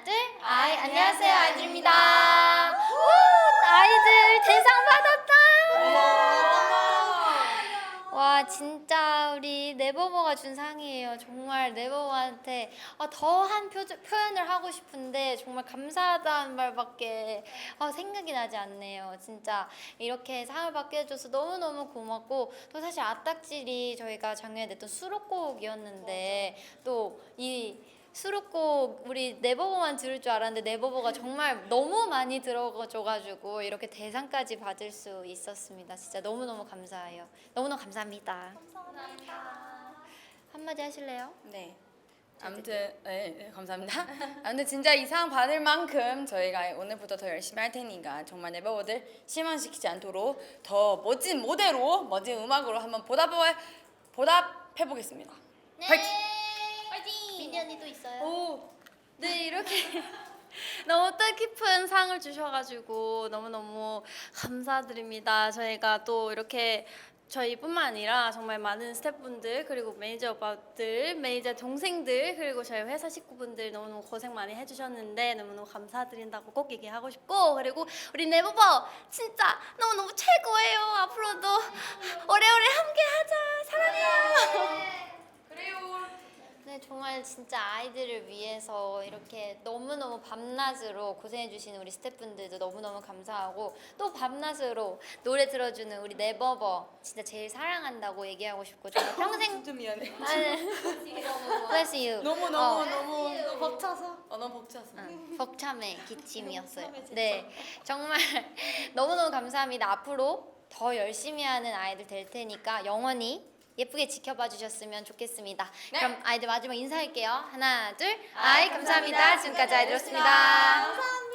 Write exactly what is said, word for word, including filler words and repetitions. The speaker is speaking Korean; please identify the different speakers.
Speaker 1: 하나, 둘, 아이, 안녕하세요, 아이들입니다. 우, 아이들 대상 받았다. 와, 진짜 우리 네버버가 준 상이에요. 정말 네버버한테 아, 더한 표현을 하고 싶은데 정말 감사하다는 말밖에 아, 생각이 나지 않네요. 진짜 이렇게 상을 받게 해줘서 너무너무 고맙고, 또 사실 아딱질이 저희가 작년에 냈던 수록곡이었는데 또 이 수록곡 우리 네버버만 들을 줄 알았는데 네버버가 정말 너무 많이 들어줘가지고 이렇게 대상까지 받을 수 있었습니다. 진짜 너무너무 감사해요. 너무너무 감사합니다. 감사합니다. 한마디 하실래요?
Speaker 2: 네. 아무튼 네, 네 감사합니다. 아무튼 진짜 이 상 받을 만큼 저희가 오늘부터 더 열심히 할 테니까 정말 네버버들 실망시키지 않도록 더 멋진 무대로 멋진 음악으로 한번 보답해 보답해 보겠습니다.
Speaker 1: 네.
Speaker 2: 화이팅!
Speaker 1: 화이팅! 민니 언니도 있어요.
Speaker 2: 오.
Speaker 1: 네, 이렇게 너무 뜻깊은 상을 주셔가지고 너무너무 감사드립니다. 저희가 또 이렇게 저희뿐만 아니라 정말 많은 스태프분들, 그리고 매니저 오빠들, 매니저 동생들, 그리고 저희 회사 식구분들 너무너무 고생 많이 해주셨는데 너무너무 감사드린다고 꼭 얘기하고 싶고, 그리고 우리 네버버 진짜 너무너무 최고예요. 앞으로도 오래오래 함께하자. 사랑해요. 네, 정말 진짜 아이들을 위해서 이렇게 너무너무 밤낮으로 고생해주시는 우리 스태프분들도 너무너무 감사하고, 또 밤낮으로 노래 들어주는 우리 네버버 진짜 제일 사랑한다고 얘기하고 싶고, 정말 평생
Speaker 2: 진짜 미안해.
Speaker 1: Bless you.
Speaker 2: 너무
Speaker 1: 어,
Speaker 2: 너무 너무 너무 벅차서. 어 너무 벅차서.
Speaker 1: 응, 벅참의 기침이었어요. 네, 정말 너무너무 감사합니다. 앞으로 더 열심히 하는 아이들 될 테니까 영원히 예쁘게 지켜봐 주셨으면 좋겠습니다.
Speaker 2: 네.
Speaker 1: 그럼 아이들 마지막 인사할게요. 하나, 둘, 아이 감사합니다. 지금까지 아이들이었습니다.
Speaker 2: 감사합니다.